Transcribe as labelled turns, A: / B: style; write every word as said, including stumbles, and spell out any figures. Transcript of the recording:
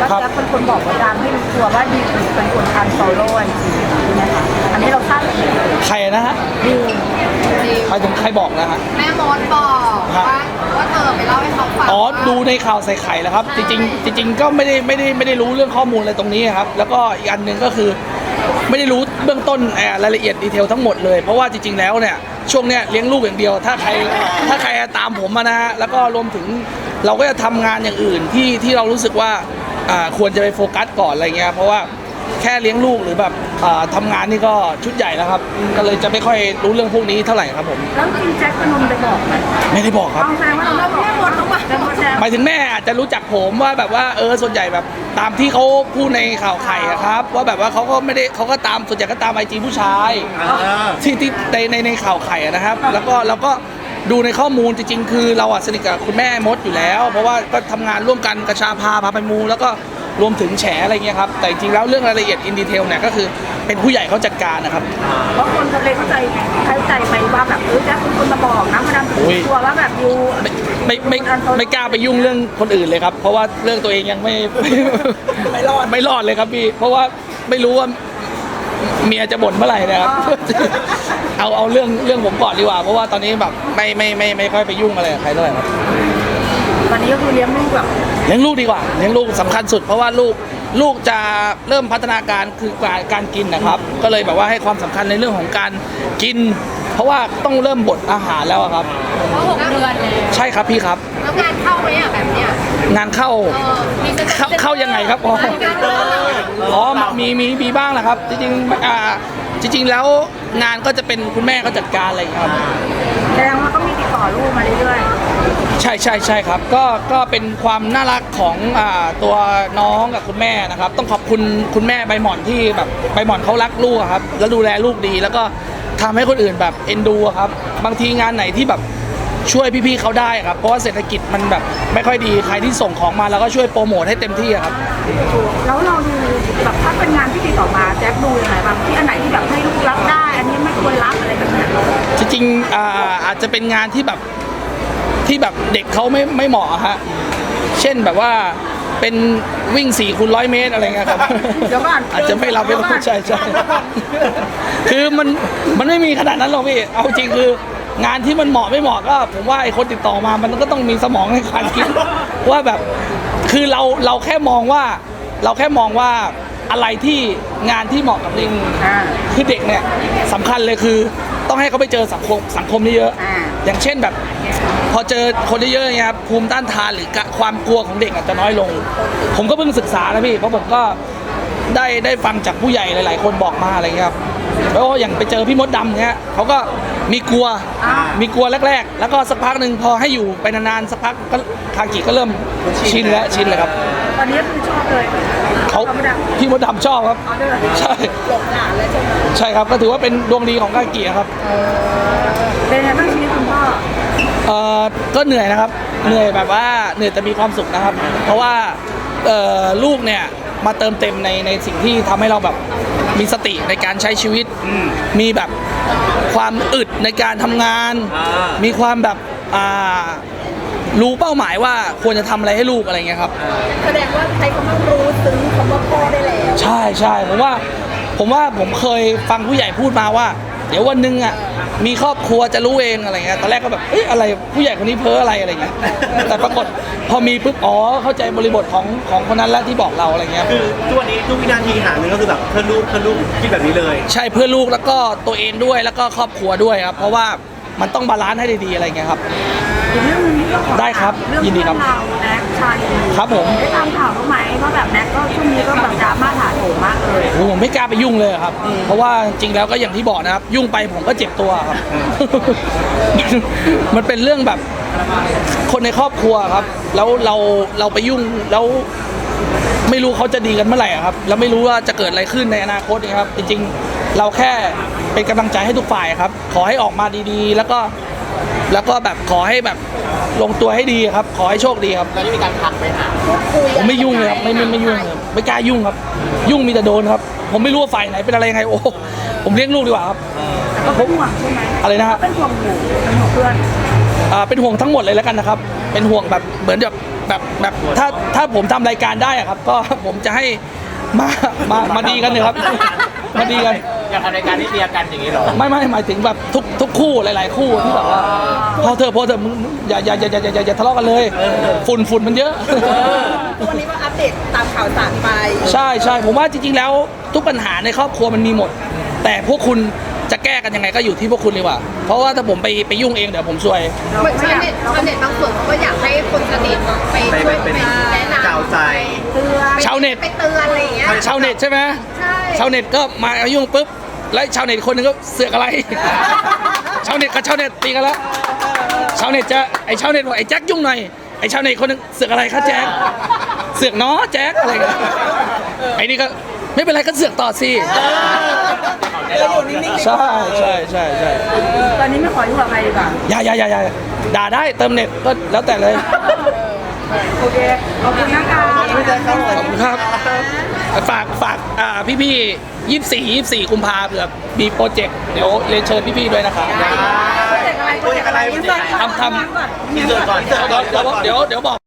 A: แล้วแล้วคนคนบอกว่าดังให้รู้ตัวว่าดิวเป็นคนทำโซโล่จริงๆใช่ไหมคะอันนี้เราทราบเอง
B: ใครนะฮะ
A: ดิว
B: ใครถึงใครบอกนะฮะ
C: แม่มดบอกว่าว่าเธอไปเล่าให้เขาฟัง
B: อ๋อดูในข่าวใส่ไข่แล้วครับจริงๆจริงๆก็ไม่ได้ไม่ได้ไม่ได้รู้เรื่องข้อมูลอะไรตรงนี้ครับแล้วก็อีกอันหนึ่งก็คือไม่ได้รู้เบื้องต้นรายละเอียดดีเทลทั้งหมดเลยเพราะว่าจริงๆแล้วเนี่ยช่วงเนี้ยเลี้ยงลูกอย่างเดียวถ้าใครถ้าใครตามผมมานะฮะแล้วก็รวมถึงเราก็จะทำงานอย่างอื่นที่ที่เรารู้สึกว่าอ่าควรจะไปโฟกัสก่อนอะไรเงี้ยเพราะว่าแค่เลี้ยงลูกหรือแบบอ่าทำงานนี่ก็ชุดใหญ่แล้วครับก็เลยจะไม่ค่อยรู้เรื่องพวกนี้เท่าไหร่ครับผม
A: แล้วจริงแจ็คพนมไปบอกไหม
B: ไม่ได้บอกครับ
A: ต้องแสดงว่าเราไม่บอกแม่หมดต้องบอกแม่หมดแล้ว
B: หมายถึงแม่อาจจะรู้จักผมว่าแบบว่าเออส่วนใหญ่แบบตามที่เขาพูดในข่าวไข่อะครับว่าแบบว่าเขาก็ไม่ได้เขาก็ตามส่วนใหญ่ก็ตามไอจีผู้ชายที่ที่ในในในข่าวไข่อะนะครับ แล้วก็แล้วก็ดูในข้อมูลจริงๆ คือเราอะสนิทกับคุณแม่มดอยู่แล้ว เพราะว่าก็ทำงานร่วมกันกระชาพาพาไปมูแล้วก็รวมถึงแฉอะไรเงี้ยครับแต่จริงๆแล้วเรื่องรายละเอียดอินดีเทลเนี่ยก็คือเป็นผู้ใหญ่เขาจัดการนะครับ
A: เพราะคนเขาเลยเข้าใจเข้าใจไปว่าแบบเออแจ็คเป็นคนมาบอกนะมาดามถึงตัวว่าแบบดิว
B: ไม่ไม่ไม่ไม่กล้าไปยุ่งเรื่องคนอื่นเลยครับ เพราะว่าเรื่องตัวเองยังไม่ ไม่รอดไม่รอดเลยครับพี่เพราะว่าไม่รู้ว่าเมียจะบ่นเมื่อไหร่นะครับ เอาเอาเรื่องเรื่องผมก่อนดีกว่าเพราะว่าตอนนี้แบบไม่ไม่ไม่ไม่ค่อยไปยุ่งอะไรกับใครเท่าไหร่ครับ
A: ตอนนี้ก็คือเลี้ยงลูกแบบ
B: เลี้ยงลูกดีกว่าเลี้ยงลูกสำคัญสุดเพราะว่าลูกลูกจะเริ่มพัฒนาการคือการการกินนะครับ ก็เลยแบบว่าให้ความสำคัญในเรื่องของการกิน เพราะว่าต้องเริ่มบดอาหารแล้วอะครับ
C: เพราะหกเดือนเลย
B: ใช่ครับพี่ครับ
C: แล้วงานเข้าไหมอ่ะแบบเนี้ย
B: งานเข้า
C: เออมีจะ
B: เข้าเข้ายังไงครับอ๋อ
C: งานเข้า
B: อ๋อมีมีมีบ้างแหละครับ จริงๆอ่าจริง ๆ แล้วงานก็จะเป็นคุณแม่เขาจัดการอะไรอย่างเงี้ยครับ
A: แสดงว่าก็มีติดต่อลูกมาเรื่อย
B: ใช่ใช่ใช่ครับก็ก็เป็นความน่ารักของอ่าตัวน้องกับคุณแม่นะครับ ต้องขอบคุณคุณแม่ใบหม่อนที่แบบใบหม่อนเขารักลูกอะครับแล้วดูแลลูกดี แล้วก็ทำให้คนอื่นแบบเอ็นดูอะครับบางทีงานไหนที่แบบช่วยพี่ๆเขาได้ครับเพราะว่าเศรษฐกิจมันแบบไม่ค่อยดีใครที่ส่งของมาเราก็ช่วยโปรโมทให้เต็มที่อะครับ
A: ๆแล้วเราดูแบบถ้าเป็นงานที่ติดต่อมาแจ็คดูยังไงบ้างที่อันไหนที่แบบให้ลูกรับได้ อันนี้ไม่ควรรับอะไรแบบนี้
B: จริงๆอ่าอาจจะเป็นงานที่แบบที่แบบเด็กเขาไม่ไม่เหมาะอะฮะเช่นแบบว่าเป็นวิ่งสี่คูณร้อยเมตรอะไรเงี้ยครับ
A: เดี๋ยวก่อน
B: อาจจะไม่รับไม่ใช่ใช่คือมันมันไม่มีขนาดนั้นหรอกพี่เอาจริงคืองานที่มันเหมาะไม่เหมาะก็ผมว่าไอ้คนติดต่อมามันก็ต้องมีสมองในการคิดว่าแบบคือเราเราแค่มองว่าเราแค่มองว่าอะไรที่งานที่เหมาะกับเด็ก
A: อ่า
B: คือเด็กเนี่ยสำคัญเลยคือต้องให้เขาไปเจอสังคมสังคมนี่เยอะ
A: อ่า
B: อย่างเช่นแบบพอเจอคนเยอะๆเนี่ยครับภูมิต้านทานหรือความกลัวของเด็กอาจจะน้อยลง ผมก็เพิ่งศึกษานะพี่เพราะผมก็ได้ได้ฟังจากผู้ใหญ่หลายๆ คนบอกมาอะไรเงี้ยครับแล้วอย่างไปเจอพี่มดดำเงี้ยเขาก็มีกลัวมีกลัวแรกๆ แล้วก็สักพักหนึ่งพอให้อยู่ไปนานๆสักพักก็คากิก็เริ่มชินแล้วชินเลยครับ
A: ตอนนี้คือชอบเลย
B: เขาพี่มดดำชอบครับ
A: เอาด้วยเหรอ
B: ใช่
A: หลงหลานเลยใช่ไหม
B: ใช่ครับก็ถือว่าเป็นดวงดีของคากิครับ
A: เป็นไงบ้างชีวิตคุณพ่อ
B: เอ่อก็เหนื่อยนะครับเหนื่อยแบบว่าเหนื่อยแต่มีความสุขนะครับ เพราะว่าเอ่อลูกเนี่ยมาเติมเต็มในในสิ่งที่ทำให้เราแบบมีสติในการใช้ชีวิต มีแบบความอึดในการทำงาน มีความแบบอ่ารู้เป้าหมายว่าควรจะทำอะไรให้ลูกอะไรเงี้ยครับ
C: แสดงว่าใช้คำว่ารู้ซึ้งคำว่าพ่อได้แล้ว
B: ใช่ใช่ผมว่าผมว่าผมเคยฟังผู้ใหญ่พูดมาว่า เดี๋ยววันหนึงอ่ะมีครอบครัวจะรู้เองอะไรเงี้ยตอนแรกก็แบบเอ้ยอะไรผู้ใหญ่คนนี้เพ้ออะไรอะไรเงี้ยแต่ปรากฏพอมีปุ๊บอ๋อเข้าใจบริบทของของคนนั้นแล้วที่บอกเราอะไรเงี้ย
D: คือทุกวันนี้ทุกวินาทีหาเงินก็คือแบบเพื่อนลูกเพื่อนลูกคิดแบบนี้เลย
B: ใช่เพื่อลูกแล้วก็ตัวเองด้วยแล้วก็ครอบครัวด้วยครับเพราะว่ามันต้องบาลานซ์ให้ดีๆอะไรเงี้ยครับ
A: อีกเรื่องนึงที่ก็ขอ
B: ได้ครับ
A: เรื่อง
B: ยินดีครับ
A: เพื่อนเราแน็กชาลี
B: ครับผม
A: ได้ตามข่าวเขาไหมว่าแบบแน็กก็ช่วงนี้ก็แบบดราม่าถาโถมมากเลย
B: โอ้ผมไม่กล้าไปยุ่งเลยครับ เพราะว่าจริงแล้วก็อย่างที่บอกนะครับ ยุ่งไปผมก็เจ็บตัวครับ มันเป็นเรื่องแบบคนในครอบครัวครับ แล้วเราเราไปยุ่งแล้วไม่รู้เขาจะดีกันเมื่อไหร่อะครับ แล้วไม่รู้ว่าจะเกิดอะไรขึ้นในอนาคตนะครับ จริงๆ เราแค่เป็นกำลังใจให้ทุกฝ่ายครับ ขอให้ออกมาดีๆ แล้วก็แล้วก็แบบขอให้แบบลงตัวให้ดีครับ ขอให้โชคดีครับ
C: แล้วมีการทักไปหา
B: ผมไม่ยุ่งเลยครับไม่ไม่ไม่ยุ่งเลยไม่กล้ายุ่งครับ ยุ่งมีแต่โดนครับ ผมไม่รู้ว่าฝ่ายไหนเป็นอะไรยังไงโอ้ผมเลี้ยงลูกดีกว่าครับ
A: แต่ก็เป็นห่วงใช่ไหม
B: อะไรนะฮะ
A: เป็นห่วงหนูเป็นห่วงเพื่อน
B: อ่าเป็นห่วงทั้งหมดเลยแล้วกันนะครับ เป็นห่วงแบบเหมือนแบบแบบแบบถ้าถ้าผมทำรายการได้อะครับ ก็ผมจะให้มามามาดีกันเลยครับ มาดีกัน
E: อยากทำรายการที่เลียกันอย่างนี้เหรอ
B: ไม่ไม่หมายถึงแบบทุกทุกคู่หลาย ๆ คู่ที่แบบว่าพอเธอะพอเธอะมึงมึงอย่าอย่าอย่าอย่าอย่าอย่าทะเลาะกันเลยฝุ่นฝุ่นมันเยอะ
C: วันนี้ก็อัปเดตตามข่าวสารไป
B: ใช่ใช่ผมว่าจริง ๆ แล้วทุกปัญหาในครอบครัวมันมีหมด แต่พวกคุณจะแก้กันยังไงก็อยู่ที่พวกคุณดีกว่า เพราะว่าถ้าผมไปไปยุ่งเองเดี๋ยวผมซวย
C: เหมือนชาวเน็ตชาวเน็ตบางส่วนเขาก็อยากให้คนสนิทไป
D: ไป
C: ช่วย
D: เป็น
C: ไปแนะนำ
D: กาวใจ
C: เตือน
B: ชาวเน็ต
C: ไปเตือนอะไรอย่างเงี้ย
B: ชาวเน็ตใช่ไหม
C: ใช่
B: ชาวเน็ตก็มาเอายุ่งปุ๊บแล้วชาวเน็ตคนหนึงก็เสือกอะไร ชาวเน็ตกับชาวเน็ตตีกันแล้วชาวเน็ตจะไอชาวเน็ตบอกไอแจ็คยุ่งหน่อยไอชาวเน็ตคนหนึงเสือกอะไรคะแจ็คเสือกเนาะแจ็คอะไรกันไอนี่ก็ไม่เป็นไรก็เสือกต่อสิใช่ใช่ใช่ใช่
A: ตอนนี้ไม่ขอยุ่งกับใครดีกว่า
B: อย่าอย่าอย่าอย่าด่าได้เติมเน็ตก็แล้วแต่เลย
A: โอเคขอบคุณนะคะ
B: ขอบคุณครับฝากฝากอ่าพี่พี่ยี่สี่ยี่สี่กุมภาเผื่อมีโปรเจกต์เดี๋ยวเรียนเชิญพี่พี่ๆด้วยนะครับ
A: โปรเจกต์อะไรโปรเจกต์อะไร
B: ทำทำ
D: อินเสิร์ตก่อนอินเสิร์ตก่อน
B: เดี๋ยวเดี๋ยวเดี๋ยวเดี๋ยวบอก